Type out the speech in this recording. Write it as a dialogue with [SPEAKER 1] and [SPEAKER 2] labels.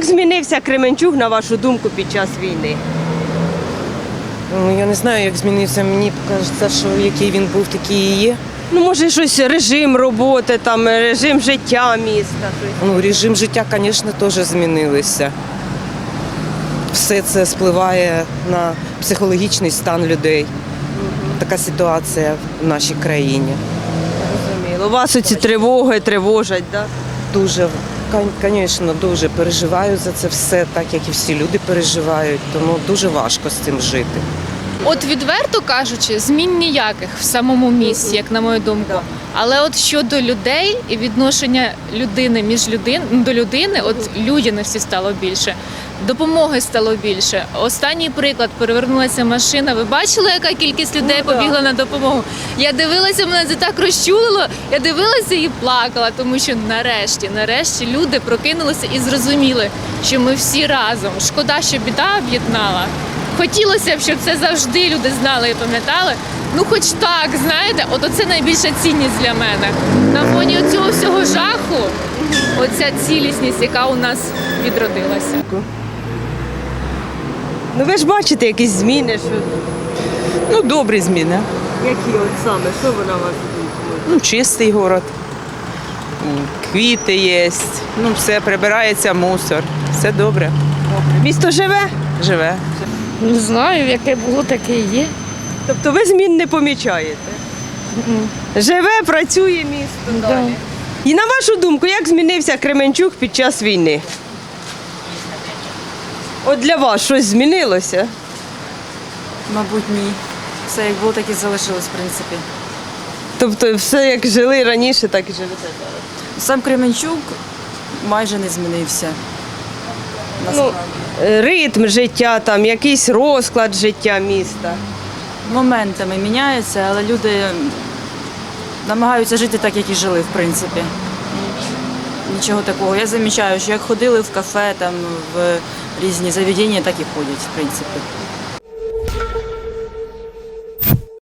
[SPEAKER 1] Як змінився Кременчуг, на вашу думку, під час війни?
[SPEAKER 2] Ну, я не знаю, як змінився. Мені кажеться, що який він був, такий і є.
[SPEAKER 1] Ну, може, щось, режим роботи, там, режим життя міста.
[SPEAKER 2] Ну, режим життя, звісно, теж змінився. Все це впливає на психологічний стан людей. Така ситуація в нашій країні.
[SPEAKER 1] Зрозуміло. Вас оці тривоги тривожать, так?
[SPEAKER 2] Дуже, звісно, дуже переживаю за це все, так як і всі люди переживають, тому дуже важко з цим жити.
[SPEAKER 3] От відверто кажучи, змін ніяких в самому місті, як на мою думку. Але от щодо людей і відношення людини до людини, от людяності стало більше, допомоги стало більше. Останній приклад, перевернулася машина. Ви бачили, яка кількість людей побігла на допомогу? Я дивилася, мене це так розчулило, я дивилася і плакала, тому що нарешті люди прокинулися і зрозуміли, що ми всі разом. Шкода, що біда об'єднала. Хотілося б, щоб це завжди люди знали і пам'ятали. Ну хоч так, знаєте, от оце найбільша цінність для мене. На фоні цього всього жаху, оця цілісність, яка у нас відродилася.
[SPEAKER 1] Ну ви ж бачите якісь зміни, що...
[SPEAKER 4] Ну, добрі зміни.
[SPEAKER 1] Які от саме, що ви на вашу думку?
[SPEAKER 4] Ну, чистий город, квіти є, ну, все, прибирається мусор. Все добре,
[SPEAKER 1] Місто живе?
[SPEAKER 4] живе.
[SPEAKER 5] Не знаю, яке було, таке і є.
[SPEAKER 1] Тобто ви змін не помічаєте? Живе, працює місто далі. І на вашу думку, як змінився Кременчуг під час війни? От для вас щось змінилося?
[SPEAKER 6] Мабуть, ні. Все як було, так і залишилось, в принципі.
[SPEAKER 1] Тобто все як жили раніше, так і живете зараз?
[SPEAKER 6] Сам Кременчук майже не змінився.
[SPEAKER 1] Ну, ритм життя, там, якийсь розклад життя міста.
[SPEAKER 6] Моментами міняється, але люди намагаються жити так, як і жили, в принципі. Нічого такого. Я замічаю, що як ходили в кафе, там, в різні заведення, так і ходять, в принципі.